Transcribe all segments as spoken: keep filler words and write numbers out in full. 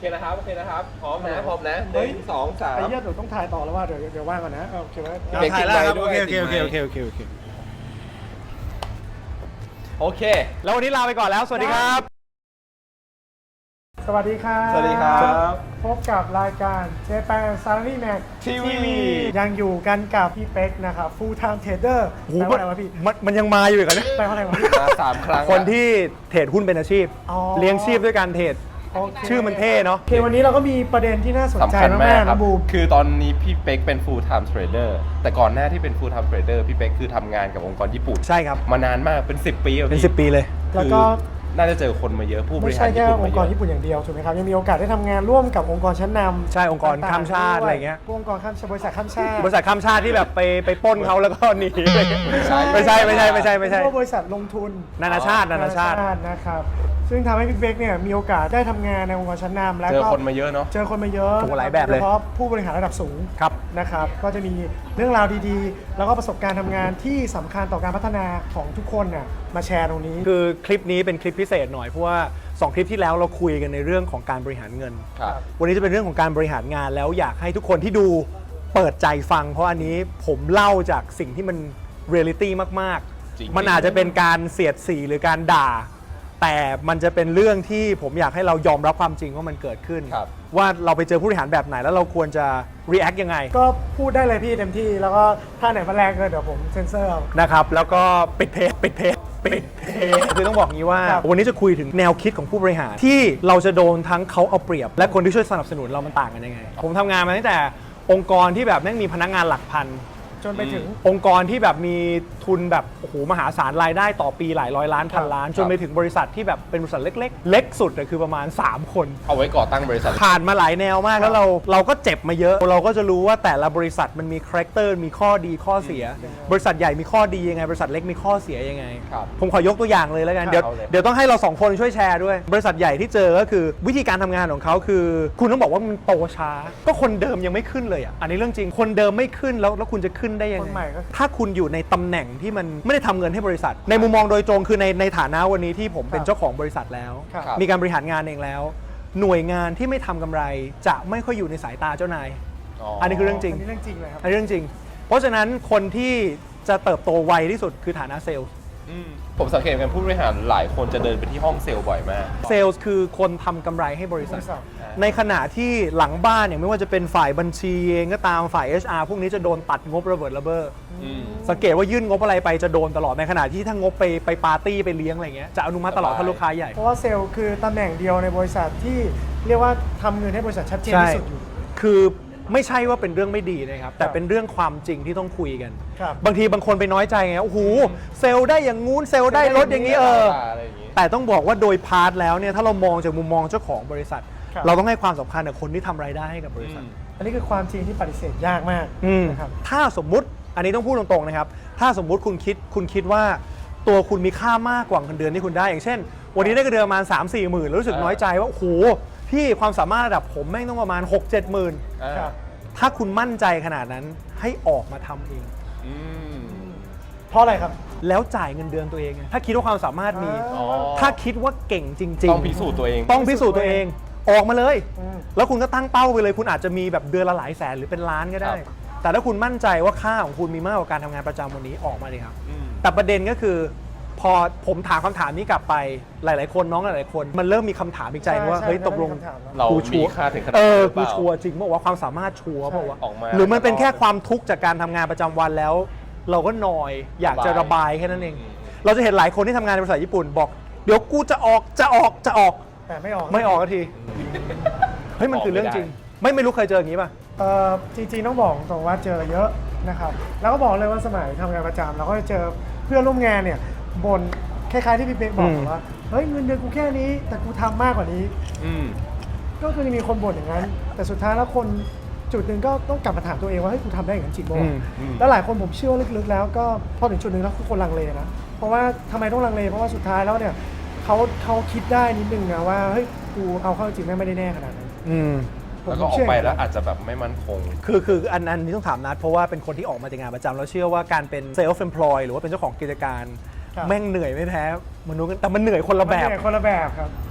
เคนะครับโอเคนะครับพร้อมนะพร้อมนะหนึ่งสองสามไอ้เหี้ยเดี๋ยวต้องถ่ายต่อแล้วว่าเดี๋ยวเดี๋ยวว่างก่อนนะโอเคไหมเบรกถ่ายแล้วครับด้โอวยเคโอเคติโอดเคไมค์โอเคโอเคโอเคโอเคแล้ววันนี้ลาไปก่อนแล้วสวัสดีครับสวัสดีครับสวัสดีครับพบกับรายการเจแปนซาร์นี่แม็กทีวียังอยู่กันกับพี่เป๊กนะครับ full time trader โอ้โหแปลว่าอะไรวะพี่มันมันยังมาอยู่อีกเหรอเนี่ยแปลว่าอะไรวะมาสามครั้งคนที่เทรดหุ้นเป็นอาชีพอ๋อเลี้ยงชีพด้วยการเทรดโอเคชื่อมันเท่เนาะโอเควันนี้เราก็มีประเด็นที่น่าสนใจสำคัญมามากกๆครับนะบูมคือตอนนี้พี่เป๊กเป็น full time trader แต่ก่อนหน้าที่เป็น full time trader พี่เป๊กคือทำงานกับองค์กรญี่ปุ่นใช่ครับมานานมากเป็นสิบปีอะเป็นพี่สิบปีเลยแล้วก็คือน่าจะเจอคนมาเยอะผู้บไม่ริหาใช่รแค่ญี่ปุ่นองค์กรมาเยญี่อะปุ่นอย่างเดียวถูกไหมครับยังมีโอกาสได้ทำงานร่วมกับองค์กรชั้นนำใช่องค์กรข้ามชาติอะไรเงี้ยพวกองค์กรข้ามชาติบริษัทข้ามชาติบริษัทข้ามชาติที่แบบไปไปปล้นเขาแล้วก็หนีไม่ใช่ไม่ใช่ไม่ใช่ไม่ใช่ไม่ใช่เป็นพวกบริษัทลงทุนนานาชาตินานาชาตินะครับซึ่งทำให้พี่เป๊กเนี่ยมีโอกาสได้ทำงานในองค์กรชั้นนำแล้วเจอก็คนมาเยอะเนาะเจอคนมาเยอะโอ้หลายแบบเลยโดฉพาะผู้บริหารระดับสูงครับนะครับก็จะมีเรื่องราวดีๆ แล้วก็ประสบการณ์ทำงานที่สำคัญต่อการพัฒนาของทุกคนน่ะมาแชร์ตรงนี้คือคลิปนี้เป็นคลิปพิเศษหน่อยเพราะว่าสองคลิปที่แล้วเราคุยกันในเรื่องของการบริหารเงินครับวันนี้จะเป็นเรื่องของการบริหารงานแล้วอยากให้ทุกคนที่ดูเปิดใจฟัง เพราะอันนี้ผมเล่าจากสิ่งที่มันเรียลิตี้มากจริงๆ มันอาจจะเป็นการเสียดสีหรือการด่า แต่มันจะเป็นเรื่องที่ผมอยากให้เรายอมรับความจริงว่ามันเกิดขึ้นครับว่าเราไปเจอผู้บริหารแบบไหนแล้วเราควรจะ react ยังไงก็พูดได้เลยพี่เต็มที่แล้วก็ถ้าไหนมาแรงเกินเดี๋ยวผมเซ็นเซอร์เอานะครับแล้วก็ปิดเพจปิดเพจปิดเพจคือต้องบอกงี้ว่าครับวันนี้จะคุยถึงแนวคิดของผู้บริหารที่เราจะโดนทั้งเขาเอาเปรียบ และคนที่ช่วยสนับสนุนเรามันต่างกันยังไง ผมทำงานมาตั้งแต่องค์กรที่แบบแม่งมีพนักงานหลักพันจนไปถึงองค์กรที่แบบมีทุนแบบโอ้โหมหาศาลรายได้ต่อปีหลายร้อยล้านพันล้าน จนไปถึงบริษัทที่แบบเป็นบริษัทเล็ก ๆ เล็กสุดอะคือประมาณสามคนเอาไว้ก่อตั้งบริษัทผ่านมาหลายแนวมากแล้วเราเราก็เจ็บมาเยอะ เราก็จะรู้ว่าแต่ละบริษัทมันมีคาแรคเตอร์มีข้อดีข้อเสีย บริษัทใหญ่มีข้อดียังไง บริษัทเล็กมีข้อเสียยังไงครับผมขอยกตัวอย่างเลยแล้วกันเดี๋ยวเอาเลยเดี๋ยวต้องให้เราสองคนช่วยแชร์ด้วย บริษัทใหญ่ที่เจอก็คือวิธีการทำงานของเขาคือ คุณต้องบอกว่ามันโตช้า ก็คนเดิมยังไม่ขึ้นเลยอ่ะอันนี้เรื่องจริงคนเดิมไม่ขึ้นแล้วแล้วคุณจะขึ้นได้ยังคนใหม่ไงก็ถ้าคุณอยู่ในตำแหน่งที่มันไม่ได้ทำเงินให้บริษัท ในมุมมองโดยตรงคือในในฐานะวันนี้ที่ผมเป็นเจ้าของบริษัทแล้วครับมีการบริหารงานเองแล้ว หน่วยงานที่ไม่ทำกำไรจะไม่ค่อยอยู่ในสายตาเจ้านาย อันนี้คือเรื่องจริงอันนี้เรื่องจริงเลยครับอันนี้เรื่องจริง เพราะฉะนั้นคนที่จะเติบโตไวที่สุดคือฐานะเซลล์อืมผมสังเกตกันผู้บริหารหลายคนจะเดินไปที่ห้องเซลล์บ่อยมากเซลล์คือคนทำกำไรให้บริษัทบริษัทในขณะที่หลังบ้านอย่างไม่ว่าจะเป็นฝ่ายบัญชีเองก็ตามฝ่าย เอช อาร์ พวกนี้จะโดนตัดงบระเบิดระเบ้ออืมสังเกตว่ายื่นงบอะไรไปจะโดนตลอดในขณะที่ถ้างบไปไปปาร์ตี้ไปเลี้ยงอะไรเงี้ยจะอนุมัติตลอดสบายถ้าลูกค้าใหญ่เพราะว่าเซลล์คือตำแหน่งเดียวในบริษัทที่เรียกว่าทำเงินให้บริษัทชัดเจนใช่ที่สุดอยู่คือไม่ใช่ว่าเป็นเรื่องไม่ดีนะครับแต่เป็นเรื่องความจริงที่ต้องคุยกันครับบางทีบางคนไปน้อยใจไงโอ้โหเซลล์ได้อย่างงู้นเซลล์ได้รถอย่างนี้เอออะไรอย่างงี้แต่ต้องบอกว่าโดยพาร์ทแล้วเนี่ยถ้าเรามองจากมุมมองเจ้าของบริษัทครับเราต้องให้ความสำคัญกับคนที่ทำรายได้ให้กับบริษัทอันนี้คือความจริงที่ปฏิเสธยากมากอืมนะครับถ้าสมมุติอันนี้ต้องพูดตรงๆนะครับ ถ้าสมมุติคุณคิดคุณคิดว่าตัวคุณมีค่ามากกว่าเงินเดือนที่คุณได้ อย่างเช่น วันนี้ได้เงินเดือนประมาณ สามสี่หมื่นแล้วรู้สึกอ่าน้อยใจว่าโอ้โหพี่ความสามารถระดับผมแม่งต้องประมาณ หกเจ็ดหมื่นอ่าครับถ้าคุณมั่นใจขนาดนั้นให้ออกมาทำเองอืมเพราะอะไรครับแล้วจ่ายเงินเดือนตัวเองไงถ้าคิดว่าความสามารถมีอ๋อถ้าคิดว่าเก่งจริงๆต้องพิสูจน์ตัวเองต้องพิสูจน์ตัวเองออกมาเลยอืมแล้วคุณก็ตั้งเป้าไปเลยคุณอาจจะมีแบบเดือนละหลายแสนหรือเป็นล้านก็ได้ครับแต่ถ้าคุณมั่นใจว่าค่าของคุณมีมากกว่าการทำงานประจำวันนี้ออกมาเลยครับอืมแต่ประเด็นก็คือ พอผมถามคำถามนี้กลับไปหลาย ๆ คนน้องหลายๆคน มันเริ่มมีคำถามอีกใจนึงว่าใช่เฮ้ยใช่ตกลงมันมีคำถามแล้วเรากูมีชัวร์ค่าถึงขนาดเอนั้นอหรือเปกูล่าชัวร์จริงบอกว่าความสามารถชัวร์เปล่าวะออกมาหรือมันเป็นแค่ความทุกข์จากการทำงานประจำวันแล้ว เราก็นอยอยากจะระบายแค่นั้นเองอืมเราจะเห็นหลายคนที่ทำงานในบริษัทญี่ปุ่นบอกเดี๋ยวกูจะออกจะออกจะออกแต่ไม่ออกไม่ออกสักทีเฮ้ยมันคือเรื่องจริง ไม่ไม่รู้เคยเจออย่างนี้ป่ะเอ่อจริงๆต้องบอกตรงว่าเจอเยอะนะครับ แล้วก็บอกเลยว่าสมัยทำงานประจำเราก็จะเจอเพื่อนร่วมงานเนี่ยบ่นคล้ายๆที่พี่เป๊กบอกอืมว่าเฮ้ยเงินเดือนกูแค่นี้ แต่กูทำมากกว่านี้อืมก็คือมีคนบ่นอย่างนั้น แต่สุดท้ายแล้วคนจุดหนึ่งก็ต้องกลับมาถามตัวเองว่าเฮ้ยกูทำได้อย่างนั้นจริงป่ะวะอืมแล้วหลายคนผมเชื่อว่าลึกๆแล้วก็พอถึงจุดหนึ่งแล้วทุกคนลังเลนะเพราะว่าทำไมต้องลังเลเพราะว่าสุดท้ายแล้วเนี่ยเขาเขาคิดได้นิดนึงนะว่าเฮ้ยกูเอาเข้าจริงแม่งไม่ได้แน่ขนาดนั้นอืมผมแล้วก็ออเชื่กไปแล้วอาจจะแบบไม่มั่นคงคือคืออันอันนี้ต้องถามนัดเพราะว่าเป็นคนที่ออกมาจากงานประจำแล้วเชื่อว่าการเป็นเซลฟ์เอมพลอยหรือว่าเป็นเจ้าของกิจการครับแม่งเหนื่อยไม่แพ้มนุษย์แต่มันเหนื่อยคนละแบบมันเหนื่อยคนละแบบครับ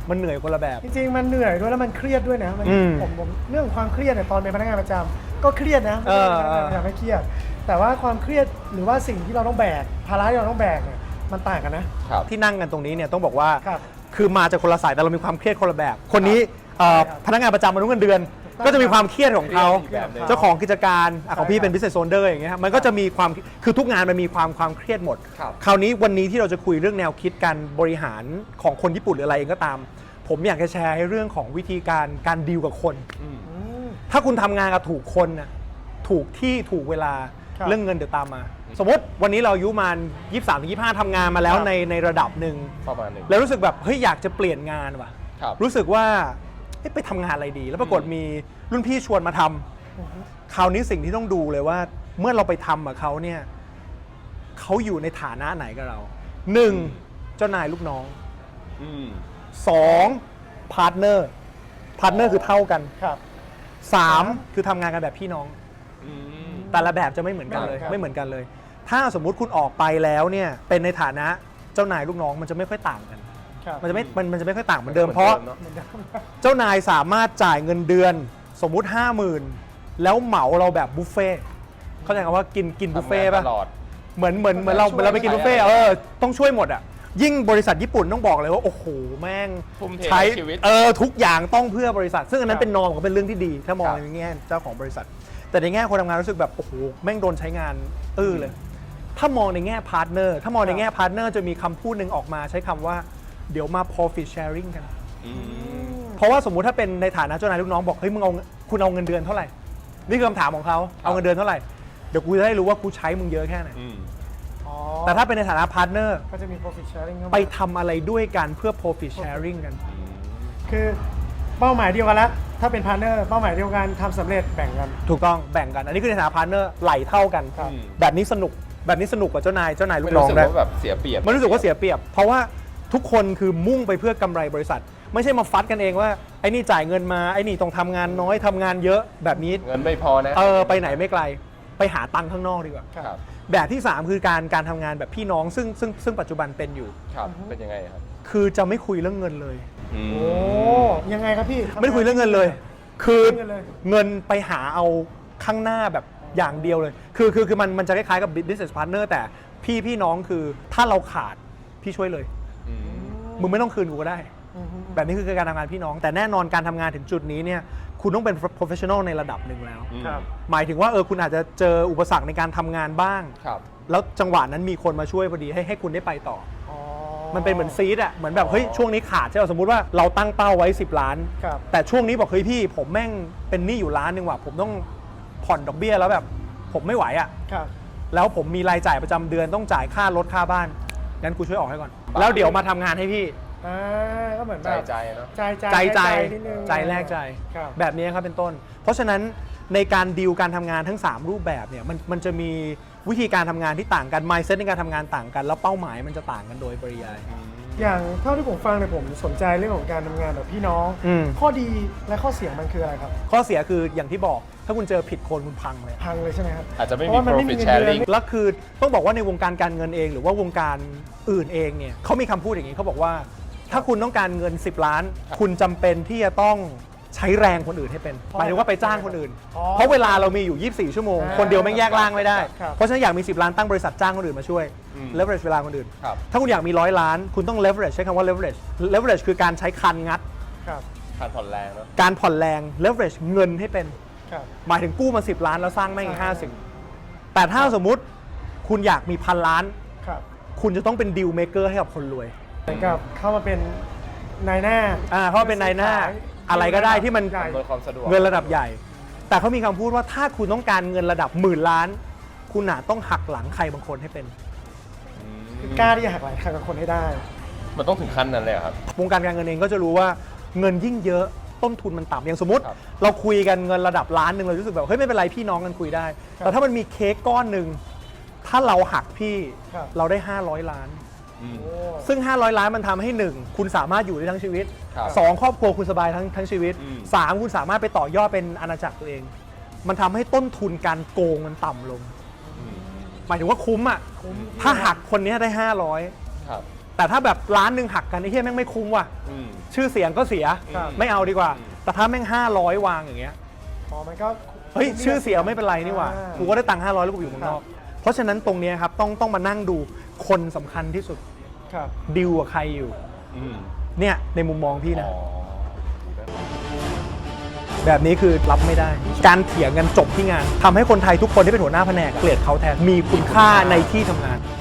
มันเหนื่อยคนละแบบจริงๆมันเหนื่อยด้วยแล้วมันเครียดด้วยนะมันอืมผมผมเรื่องความเครียดเนี่ยตอนเป็นพนักงานประจำก็เครียดนะไม่เอใช่อพนักงานประจำไม่เครียด แต่ว่าความเครียดหรือว่าสิ่งที่เราต้องแบกภาระที่เราต้องแบกเนี่ยมันต่างกันนะครับที่นั่งกันตรงนี้เนี่ยต้องบอกว่าครับคือมาจากคนละสายแต่เรามีความเครียดคนละแบบ คนนี้เอ่อใช่ครับพนักงานประจำมนุษย์เงินเดือนถูกต้องก็จะมีความเครียดของเขาเครียดอีกแบบหนึ่งเจ้าของกิจการอ่ะของพี่ใช่ครับเป็น business owner อย่างเงี้ยมันก็จะมีความคือทุกงานมันมีความความเครียดหมดครับคราวนี้วันนี้ที่เราจะคุยเรื่องแนวคิดการบริหารของคนญี่ปุ่นหรืออะไรเองก็ตาม ผมอยากจะแชร์ให้เรื่องของวิธีการการดีลกับคนอืมอืมถ้าคุณทำงานกับถูกคนนะถูกที่ถูกเวลาครับเรื่องเงินเดี๋ยวตามมา สมมติวันนี้เราอายุมายี่สิบสามถึงยี่สิบห้าทำงานมาแล้วครับในในระดับหนึ่งประมาณหนึ่งแล้วรู้สึกแบบเฮ้ยอยากจะเปลี่ยนงานว่ะครับรู้สึกว่าเอ๊ะไปทำงานอะไรดี แล้วปรากฏอืมมีรุ่นพี่ชวนมาทำอือฮึคราวนี้สิ่งที่ต้องดูเลยว่าเมื่อเราไปทำกับเขาเนี่ยเขาอยู่ในฐานะไหนกับเราหนึ่งเจ้านายลูกน้องอืมสองพาร์ทเนอร์พาร์ทเนอร์คือเท่ากันครับสามครับคือทำงานกันแบบพี่น้องอืมแต่ละแบบจะไม่เหมือนกันเลยครับไม่เหมือนกันเลย ถ้าสมมุติคุณออกไปแล้วเนี่ยเป็นในฐานะเจ้านายลูกน้องมันจะไม่ค่อยต่างกันครับมันจะไม่มันมันจะไม่ค่อยต่างเหมือนเดิมเพราะหมือนเหมือนเดิมเจ้านายสามารถจ่ายเงินเดือนสมมุติ ห้าหมื่น แล้วเหมาเราแบบบุฟเฟ่ต์เข้าใจคำว่ากินกินบุฟทำเฟ่งานต์ป่ะตลอดเหมือนเหมือนเหมือนเราเหมือนเราไปกินบุฟเฟ่ต์เออต้องช่วยหมดอ่ะยิ่งบริษัทญี่ปุ่นต้องบอกเลยว่าโอ้โหแม่งทุ่มเทใช้ชีวิตเออทุกอย่างต้องเพื่อบริษัท ซึ่งอันนั้ครันบเป็นนอมก็เป็นเรื่องที่ดี ถ้ามองครับในแง่เจ้าของบริษัท แต่ในแง่คนทำงานรู้สึกแบบโอ้โหแม่งโดนใช้งานอื้อเลย ถ้ามองในแง่พาร์ทเนอร์ถ้ามองในแง่พาร์ทเนอร์จะมีคำพูดหนึ่งออกมาใช้คำว่าเดี๋ยวมา profit sharing กันอืมเพราะว่าสมมุติถ้าเป็นในฐานะเจ้านายลูกน้องบอกเฮ้ยมึงเอาคุณเอาเงินเดือนเท่าไหร่นี่คือคำถามของเขาเอาเงินเดือนเท่าไหร่เดี๋ยวกูจะได้รู้ว่ากูใช้มึงเยอะแค่ไหนอืมอ๋อแต่ถ้าเป็นในฐานะพาร์ทเนอร์ก็จะมี profit sharing เข้ามาไปทำอะไรด้วยกันเพื่อ profit sharing กันคือเป้าหมายเดียวกันแล้วถ้าเป็นพาร์ทเนอร์เป้าหมายเดียวกันทำสำเร็จแบ่งกันถูกต้องแบ่งกัน อันนี้คือในฐานะพาร์ทเนอร์ไหลเท่ากันครับแบบนี้สนุกแบบนี้สนุกกว่าเจ้านายเจ้านายลูไม่กน้รู้องสึกได้ว่าแบบเสียเปรียบมันรู้สึกว่าเสียเปรียบ เพราะว่าทุกคนคือมุ่งไปเพื่อกำไรบริษัท ไม่ใช่มาฟัดกันเองว่าไอ้นี่จ่ายเงินมาไอ้นี่ต้องทำงานน้อยทำงานเยอะแบบนี้เงินไม่พอนะเออไปไหนไม่ไกลไปหาตังค์ข้างนอกดีกว่าครับแบบที่ สาม คือการการทำงานแบบพี่น้องซึ่งซึ่งซึ่งปัจจุบันเป็นอยู่ครับ เป็นยังไงครับคือจะไม่คุยเรื่องเงินเลยอืมโอ้ยังไงครับพี่ไม่ได้คุยเรื่องเงินเลย คือเรื่องเงินเลยเงินไปหาเอาข้างหน้าแบบอย่างเดียวเลย คือคือคือมันมันจะคล้ายๆกับ business partner แต่พี่พี่น้องคือถ้าเราขาดพี่ช่วยเลยอืมมึงไม่ต้องคืนกูก็ได้อือฮึแบบนี้คือการทำงานพี่น้อง แต่แน่นอนการทำงานถึงจุดนี้เนี่ยคุณต้องเป็น professional ในระดับหนึ่งแล้วครับหมายถึงว่าเออคุณอาจจะเจออุปสรรคในการทำงานบ้างครับแล้วจังหวะนั้นมีคนมาช่วยพอดีให้ให้คุณได้ไปต่ออ๋อมันเป็นเหมือนซีดอะเหมือนแบบเฮ้ยช่วงนี้ขาดใช่ไหมสมมุติว่าเราตั้งเป้าไว้สิบล้านครับแต่ช่วงนี้บอกเฮ้ยพี่ผมแม่งเป็นหนี้อยู่ล้านหนึ่งว่ะผมต้องผ่อนดอกเบี้ยแล้วแบบผมไม่ไหวอะครับแล้วผมมีรายจ่ายประจำเดือนต้องจ่ายค่ารถค่าบ้านงั้นกูช่วยออกให้ก่อนบ้าแล้วเดี๋ยวมาทำงานให้พี่อ่าก็เหมือนใจแบบใจเนาะใจใจใจใจนิดนึงใจแรกใจครับแบบนี้ครับเป็นต้น เพราะฉะนั้นในการดีลการทำงานทั้ง สาม รูปแบบเนี่ยมันมันจะมีวิธีการทำงานที่ต่างกัน mindset ในการทำงานต่างกัน แล้วเป้าหมายมันจะต่างกันโดยปริยายอย่างเท่าที่ผมฟังเนี่ยผมสนใจเรื่องของการทำงานแบบพี่น้องอืมข้อดีและข้อเสียมันคืออะไรครับข้อเสียคืออย่างที่บอกถ้าคุณเจอผิดคนคุณพังเลยพังเลยใช่ไหมครับอาจจะไม่เพมีราะว่ามันไม่มี profit เงินเดือน sharing แล้วคือต้องบอกว่าในวงการการเงินเองหรือว่าวงการอื่นเองเนี่ยเขามีคำพูดอย่างนี้เขาบอกว่าถ้าคุณต้องการเงินสิบล้านครับคุณจำเป็นที่จะต้องใช้แรงคนอื่นให้เป็นเพราะหมายถึงว่าไปจ้างคนอื่นอ๋อเพราะเวลาเรามีอยู่ ยี่สิบสี่ ชั่วโมงอ่าคนเดียวไม่งแยกล่างไม่ได้ครับเพราะฉะนั้นอยากมีสิบล้านตั้งบริษัทจ้างคนอื่นมาช่วยอืม leverage เวลาคนอื่นครับถ้าคุณอยากมีร้อยล้าน คุณต้อง leverage ใช้คำว่า leverage leverage คือการใช้คันงัดครับการผ่อนแรงเนาะการผ่อนแรง leverage เงินให้เป็นครับหมายถึงกู้มาสิบล้านแล้วสร้างแม่งอีกใช่ห้าสิบแต่ถ้าสมมุติคุณอยากมีพันล้านครับคุณจะต้องเป็นดีลเมเกอร์ให้กับคนรวยเหมือนกับเข้ามาเป็นนายหน้าอ่าเขาเป็นนายหน้าขายอะไรก็ได้ที่มันใหญ่อำนวยความสะดวกเงินระดับใหญ่ แต่เขามีคำพูดว่าถ้าคุณต้องการเงินระดับหมื่นล้าน คุณอาจต้องหักหลังใครบางคนให้เป็นอืมกล้าที่จะหักหลังทางกับคนให้ได้มันต้องถึงขั้นนั้นเลยเหรอครับวงการการเงินเองก็จะรู้ว่าเงินยิ่งเยอะต้นทุนมันต่ำอย่างสมมติครับเราคุยกันเงินระดับล้านหนึ่งเรารู้สึกแบบเฮ้ยไม่เป็นไรพี่น้องกันคุยได้ครับแต่ถ้ามันมีเค้กก้อนหนึ่งถ้าเราหักพี่ครับเราได้ห้าร้อยล้านอืมโอ้ซึ่งห้าร้อยล้านมันทำให้หนึ่งคุณสามารถอยู่ได้ทั้งชีวิตครับสองครอบครัวคุณสบายทั้งทั้งชีวิตอืมสามคุณสามารถไปต่อยอดเป็นอาณาจักรตัวเอง มันทำให้ต้นทุนการโกงมันต่ำลงอืมหมายถึงว่าคุ้มอ่ะคุ้มถ้าหักคนเนี้ยได้ห้าร้อยครับแแต่ถ้าแบบล้านหนึ่งหักกันไอ้เหี้ยแม่งไม่คุ้มว่ะอืมชื่อเสียงก็เสียครับไม่เอาดีกว่าอืมแต่ถ้าแม่งห้าร้อยวางอย่างเงี้ยอ๋อมันก็เฮ้ยชื่อเสียไม่เป็นไรนี่หว่าอ่ากูก็ได้ตังค์ห้าร้อยแล้วกูอยู่เมืองนอก เพราะฉะนั้นตรงเนี้ยครับต้องต้องมานั่งดูคนสำคัญที่สุดครับดิวกับใครอยู่อืมเนี่ยในมุมมองพี่นะอ๋อแบบนี้คือรับไม่ได้ การเถียงกันจบที่งานทำให้คนไทยทุกคนที่เป็นหัวหน้าแผนกเกลียดเขาแทนมีคุณค่าในที่ทำงาน